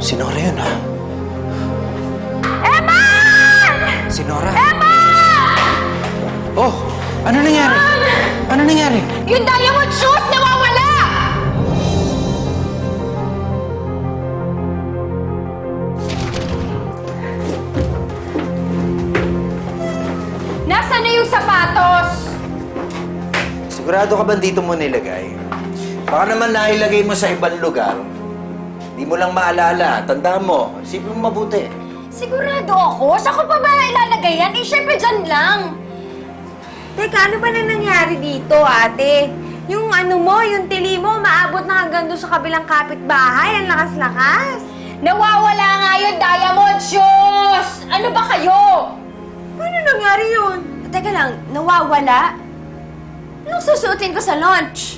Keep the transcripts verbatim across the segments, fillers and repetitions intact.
Si Nora yun, ha? Emma! Si Nora? Emma! Oh! Ano nangyari? Ano nangyari? Yung diamond shoes nawawala! Nasaan na yung sapatos? Sigurado ka ba dito mo nilagay? Baka naman nailagay mo sa ibang lugar. Di mo lang maalala. Tandaan mo. Isipin mo mabuti. Sigurado ako. Saan ko pa ba ilalagay yan? Eh, syempre dyan lang. Teka, ano ba na nangyari dito, ate? Yung ano mo, yung tili mo, maabot na hanggang doon sa kabilang kapitbahay. Ang lakas-lakas. Nawawala nga yung diamond shoes! Ano ba kayo? Paano nangyari yun? Teka lang, nawawala? Anong susuotin ko sa lunch?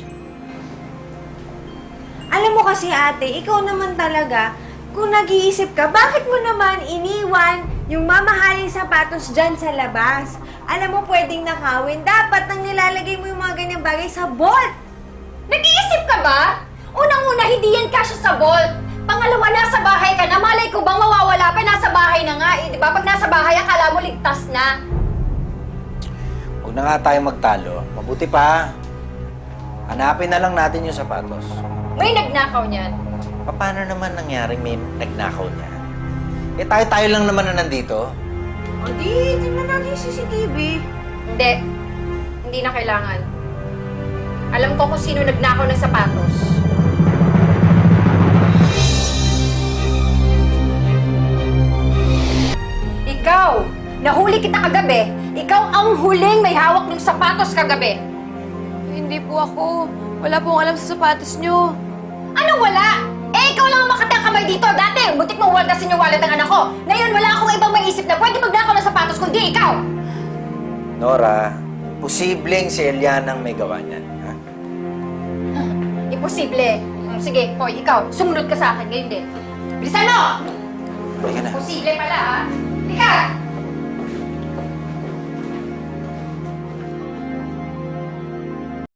Alam mo kasi, ate, ikaw naman talaga, kung nag-iisip ka, bakit mo naman iniwan yung mamahaling sapatos dyan sa labas? Alam mo, pwedeng nakawin. Dapat nang nilalagay mo yung mga ganyang bagay sa vault. Nag-iisip ka ba? Unang-una, hindi yan kasya sa vault. Pangalawa, nasa bahay ka na. Malay ko bang mawawala pa? Nasa bahay na nga eh, di ba? Pag nasa bahay, akala mo ligtas na. Huwag na nga tayo magtalo. Mabuti pa. Hanapin na lang natin yung sapatos. May nagnakaw niyan. Paano naman nangyaring may nagnakaw niya? Eh tayo-tayo lang naman na nandito. O di, tingnan natin yung C C T V. Hindi. Hindi na kailangan. Alam ko kung sino nagnakaw ng sapatos. Ikaw! Nahuli kita kagabi. Ikaw ang huling may hawak ng sapatos kagabi. Hindi po ako. Wala pong alam sa sapatos nyo. Anong wala? Eh, ikaw lang ang makatang kamay dito. Dati, butik mong waldasin yung wallet ng anak ko. Ngayon, wala akong ibang maisip na pwede magnakaw ng sapatos kundi ikaw. Nora, posibleng si Eliana ang may gawa niyan. Ha? Imposible. Hmm, sige, Hoy, ikaw, sumunod ka sa akin ngayon din. Bilisan mo! Halika na. Imposible pala, ha? Halika!